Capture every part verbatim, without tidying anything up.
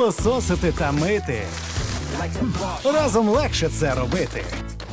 пилососити та мити. Разом легше це робити.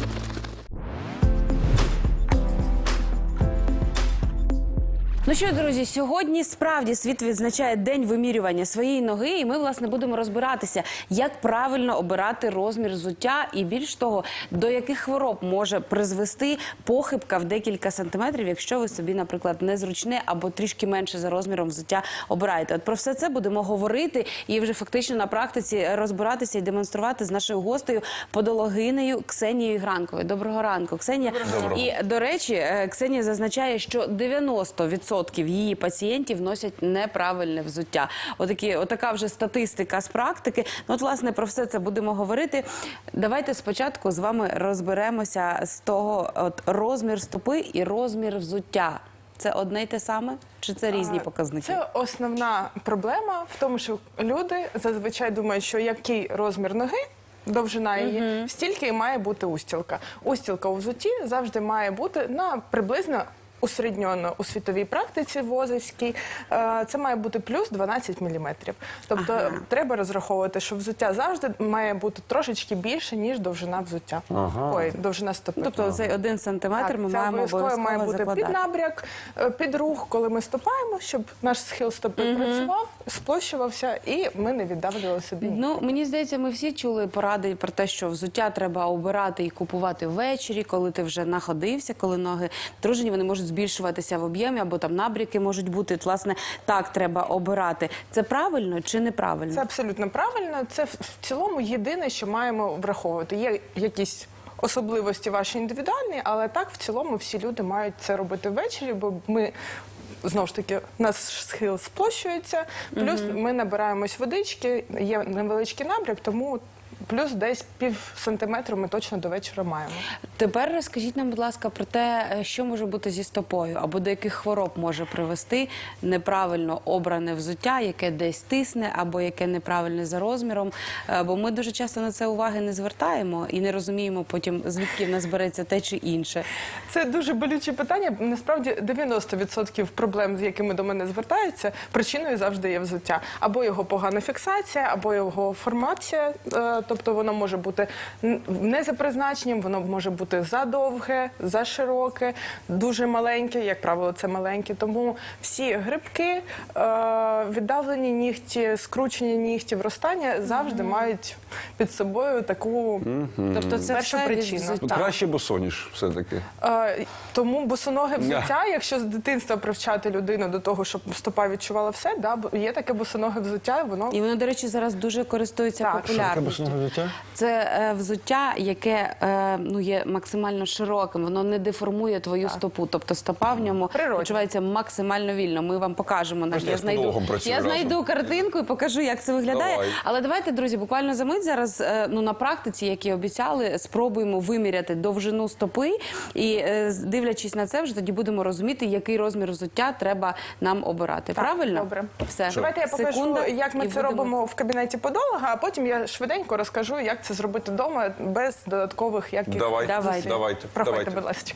Ну що, друзі, сьогодні справді світ відзначає День вимірювання своєї ноги, і ми, власне, будемо розбиратися, як правильно обирати розмір взуття і, більш того, до яких хвороб може призвести похибка в декілька сантиметрів, якщо ви собі, наприклад, незручне або трішки менше за розміром взуття обираєте. От про все це будемо говорити і вже фактично на практиці розбиратися і демонструвати з нашою гостею, подологинею Ксенією Гранковою. Доброго ранку, Ксенія. Доброго. І, до речі, Ксенія зазначає, що дев'яносто відсотків її пацієнтів носять неправильне взуття. Отакі, отака вже статистика з практики. Ну, от, власне, про все це будемо говорити. Давайте спочатку з вами розберемося з того, от, розмір стопи і розмір взуття. Це одне й те саме? Чи це різні показники? Це основна проблема в тому, що люди зазвичай думають, що який розмір ноги, довжина її, uh-huh. стільки і має бути устілка. Устілка у взутті завжди має бути на приблизно усередньоно у світовій практиці возівській, це має бути плюс дванадцять міліметрів. Тобто ага. треба розраховувати, що взуття завжди має бути трошечки більше, ніж довжина взуття. Ага. Ой, довжина стопи. Тобто ага. цей один сантиметр ми маємо обов'язково має бути закладати. Під набряк, під рух, коли ми ступаємо, щоб наш схил стопи угу. працював, сплощувався і ми не віддавлювали собі. Ну, мені здається, ми всі чули поради про те, що взуття треба обирати і купувати ввечері, коли ти вже находився, коли ноги дружині, вони можуть збільшуватися в об'ємі, або там набряки можуть бути. От, власне, так треба обирати. Це правильно чи неправильно? Це абсолютно правильно. Це в цілому єдине, що маємо враховувати. Є якісь особливості ваші індивідуальні, але так в цілому всі люди мають це робити ввечері, бо ми... Знову ж таки, у нас схил сплощується, плюс угу. ми набираємось водички, є невеличкий набряк, тому плюс десь пів сантиметра ми точно до вечора маємо. Тепер розкажіть нам, будь ласка, про те, що може бути зі стопою, або до яких хвороб може привести неправильно обране взуття, яке десь тисне, або яке неправильне за розміром. Бо ми дуже часто на це уваги не звертаємо і не розуміємо потім, звідки в нас береться те чи інше. Це дуже болюче питання. Насправді дев'яносто відсотків проблем, з якими до мене звертаються, причиною завжди є взуття. Або його погана фіксація, або його формація. Тобто воно може бути не за призначенням, воно може бути задовге, зашироке, дуже маленьке, як правило, це маленьке. Тому всі грибки, віддавлені нігті, скручені нігті, вростання завжди mm-hmm. мають під собою таку mm-hmm. тобто це першу причину. Ну, краще босоніж все-таки. Тому босоноге взуття, якщо з дитинства привчати людину до того, щоб стопа відчувала все, да, є таке босоноге взуття, воно... І воно, до речі, зараз дуже користується так. популярністю. Це е, взуття, яке е, ну, є максимально широким, воно не деформує твою так. стопу, тобто стопа в ньому Природні. почувається максимально вільно. Ми вам покажемо. Я, я знайду, я знайду картинку і покажу, як це виглядає. Давай. Але давайте, друзі, буквально за мить зараз е, ну, на практиці, як і обіцяли, спробуємо виміряти довжину стопи і, е, дивлячись на це, вже тоді будемо розуміти, який розмір взуття треба нам обирати. Так, Правильно? Добре. Все. Давайте я покажу, Секунда, як ми це будемо... робимо в кабінеті подолога, а потім я швиденько розкажу, як це зробити вдома без додаткових яких Давай. Давайте. Давайте. Проходьте, Давайте. будь ласка.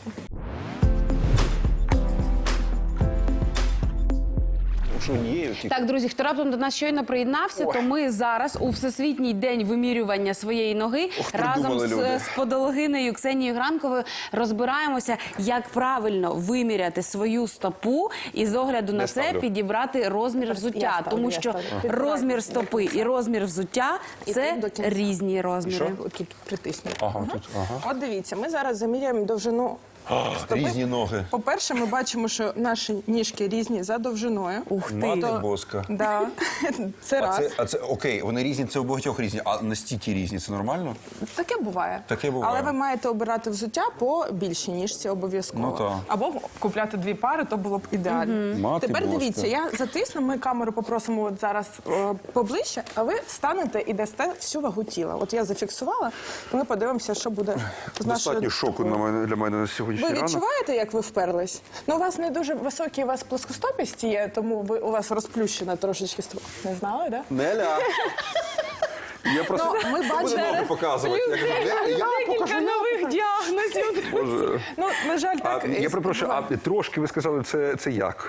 Так, друзі, хто раптом до нас щойно приєднався, то ми зараз у Всесвітній день вимірювання своєї ноги Ох, разом з, люди. з подологинею Ксенією Гранковою розбираємося, як правильно виміряти свою стопу і з огляду на це ставлю. підібрати розмір взуття. ставлю, Тому я що ставлю. розмір стопи і розмір взуття – це різні розміри. Тут притиснути. Ага, ага. Тут, ага. От дивіться, ми зараз заміряємо довжину стопи. Різні ноги. По-перше, ми бачимо, що наші ніжки різні за довжиною. Ух ти! Мати То- боска. Да. Це А раз. це, а це окей, вони різні, це у багатьох різні, а настільки різні, це нормально? Таке буває. Таке буває. Але ви маєте обирати взуття по більшій ніжці обов'язково. Ну, так. Або купляти дві пари, то було б ідеально. Угу. Мати Тепер боска. дивіться, я затисну, ми камеру попросимо от зараз е, поближче, а ви встанете і дасте всю вагу тіла. От я зафіксувала, і ми подивимося, що буде з нашою Достатньо шоку стопою. на мене, для мене на сьогоднішній Ви ранок. відчуваєте, як ви вперлись? Ну, у вас не дуже високі, у вас плоскостопісті є, тому ви, у вас розплющена трошечки стопа. Не знали, так? Да? Неля! Я просто Ну, ми буду бачимо- ноги показувати. Я кажу, «Неля, я покажу, я нових діагнозів. Боже. Ну, на жаль, А, так. я перепрошую, а трошки ви сказали, це, це як?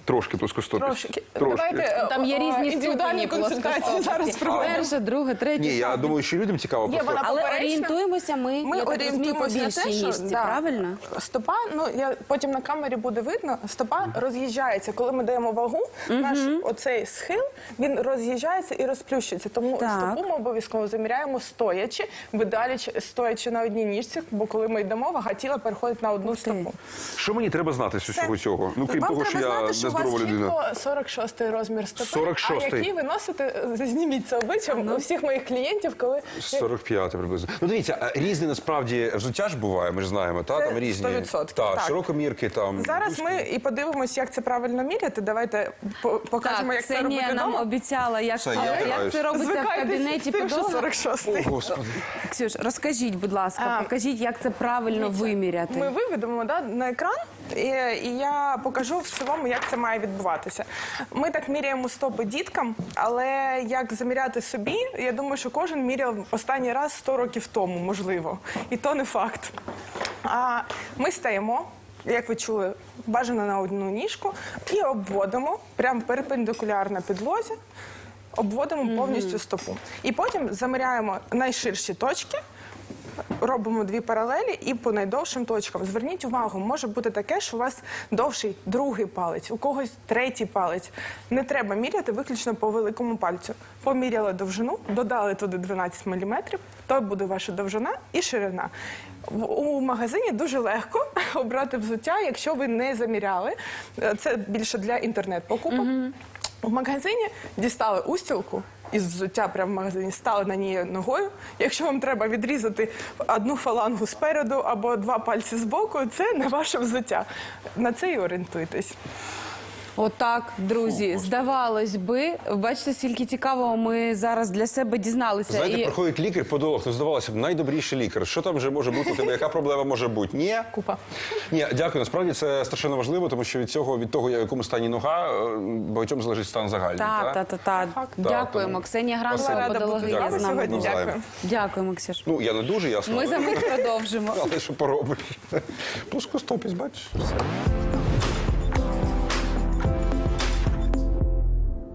Трошки плоскостопість. Трошки. Трошки. Давайте е, Там є е, різні індивідуальні ступені консультації зараз проведемо. Перше, друге, третє. Ні, я четверте. думаю, що людям цікаво Є просто. вона Але поперечна. орієнтуємося ми, Ми я так розумію, по орієнтуємося на більшій те, що ніжці, да, правильно? стопа, ну я потім на камері буде видно, стопа роз'їжджається. Коли ми даємо вагу, наш оцей схил він роз'їжджається і розплющується. Тому Так. стопу ми обов'язково заміряємо стоячи, в ідеалі ч- стоячи на одній ніжці, бо коли ми йдемо, вага тіла переходить на одну стопу. Що мені треба знати з усього Все. цього? Ну, крім Вам того, що треба я знати, що у вас нездорова людина. чітко сорок шостий розмір стопи, сорок шостий. а який ви носите, зніміть це обличчям у всіх моїх клієнтів, коли сорок п'ять приблизно. Ну дивіться, а різне насправді взуття ж буває, ми ж знаємо, та Це там різні. сто відсотків, Та, так. широкомірки там. зараз ми і подивимось, як це правильно міряти. Давайте по- покажемо, Так, як це Ксенія робити нам вдома. обіцяла, як, Все, це, я як втираюсь. це робиться в Звикайтесь кабінеті з тим, що підлога. сорок шостий. О, Господи. Ксюш, розкажіть, будь ласка, А, покажіть, як це правильно виміряти. Ми виведемо да, на екран, і, і я покажу в цілому, як це має відбуватися. Ми так міряємо стопи діткам, але як заміряти собі, я думаю, що кожен міряв останній раз сто років тому, можливо. І то не факт. А ми стаємо, як ви чули, бажано на одну ніжку, і обводимо прямо перпендикулярно підлозі, обводимо повністю стопу. І потім заміряємо найширші точки, робимо дві паралелі і по найдовшим точкам. Зверніть увагу, може бути таке, що у вас довший другий палець, у когось третій палець. Не треба міряти виключно по великому пальцю. Поміряли довжину, додали туди дванадцять міліметрів, то буде ваша довжина і ширина. В- У магазині дуже легко обрати взуття, якщо ви не заміряли. Це більше для інтернет-покупок. В магазині дістали устілку із взуття прямо в магазині, стали на ній ногою. Якщо вам треба відрізати одну фалангу спереду або два пальці збоку, це не ваше взуття. На це і орієнтуйтесь. Отак, друзі, здавалось би, бачите, скільки цікавого ми зараз для себе дізналися. Знаєте, І приходить лікар-подолог, ну здавалося б, найдобріший лікар. Що там вже може бути у тебе? Яка проблема може бути? Ні? Купа. Ні, дякую. Насправді це страшенно важливо, тому що від цього, від того, в якому стані нога, е, багатьом залежить стан загальний. Так, та? так, так. факт. Дякуємо. тому- Ксенія Була Гранова, рада бути з подологиня вами з нами. сьогодні. Навзаєм. Дякую. Дякуємо, Ксюш. Ну, я не дуже, ясно. Ми за мить продовжимо. Але що поробиш? Плоскостопість, бачиш? Все.